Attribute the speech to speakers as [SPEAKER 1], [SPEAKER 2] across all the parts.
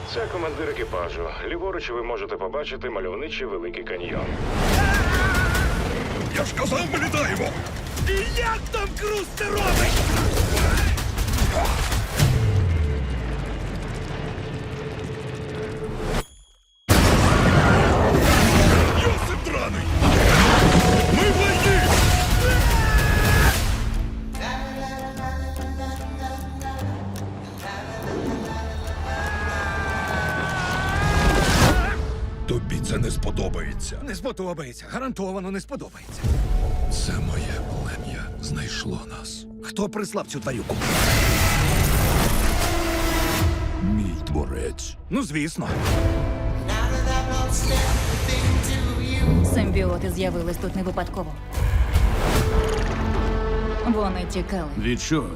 [SPEAKER 1] Це командир екіпажу. Ліворуч ви можете побачити мальовничий Великий каньйон.
[SPEAKER 2] Я ж казав, ми літаємо!
[SPEAKER 3] І як там Круз це робить?
[SPEAKER 2] Йосип драний! Ми в лайні! Тобі це не сподобається.
[SPEAKER 3] Не сподобається. Гарантовано не сподобається.
[SPEAKER 2] Це моє плем'я знайшло нас.
[SPEAKER 3] Хто прислав цю тварюку?
[SPEAKER 2] Мій творець.
[SPEAKER 3] Ну, звісно.
[SPEAKER 4] Симбіоти з'явились тут не випадково. Вони тікали.
[SPEAKER 2] Від чого?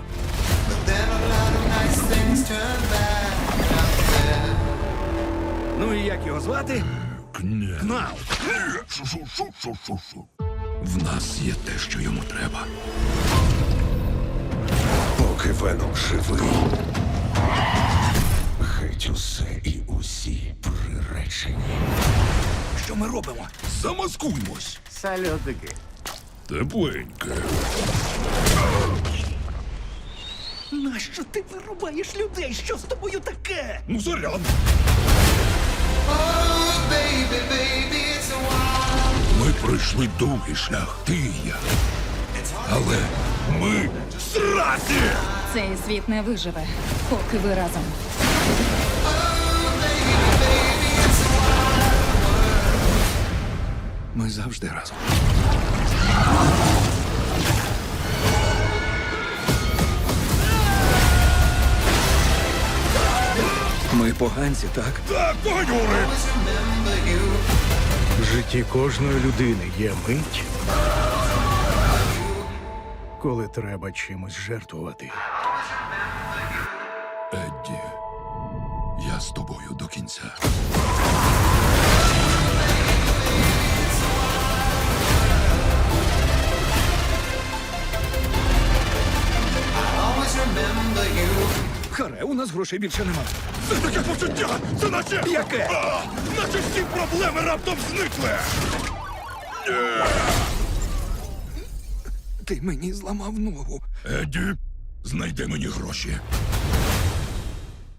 [SPEAKER 3] Ну і як його звати?
[SPEAKER 2] Кня.
[SPEAKER 3] Кнал.
[SPEAKER 2] Шу-шу-шу-шу-шу. В нас є те, що йому треба. Поки Веном живий. Геть усе і усі приречені.
[SPEAKER 3] Що ми робимо?
[SPEAKER 2] Замаскуймось.
[SPEAKER 5] Сальотики.
[SPEAKER 2] Тепленьке.
[SPEAKER 3] Нащо ти вирубаєш людей? Що з тобою таке?
[SPEAKER 2] Ну, заряд. Ми пройшли довгий шлях, ти і я. Але ми зраді!
[SPEAKER 4] Цей світ не виживе, поки ви разом.
[SPEAKER 3] Ми завжди разом. Ми поганці, так?
[SPEAKER 2] Так, погонюри!
[SPEAKER 6] В житті кожної людини є мить, коли треба чимось жертвувати.
[SPEAKER 2] Едді, я з тобою до кінця.
[SPEAKER 3] Харе, у нас грошей більше нема.
[SPEAKER 2] Це таке почуття! Це наче...
[SPEAKER 3] Яке?
[SPEAKER 2] Наче всі проблеми раптом зникли!
[SPEAKER 3] Ти мені зламав ногу.
[SPEAKER 2] Едді, знайди мені гроші.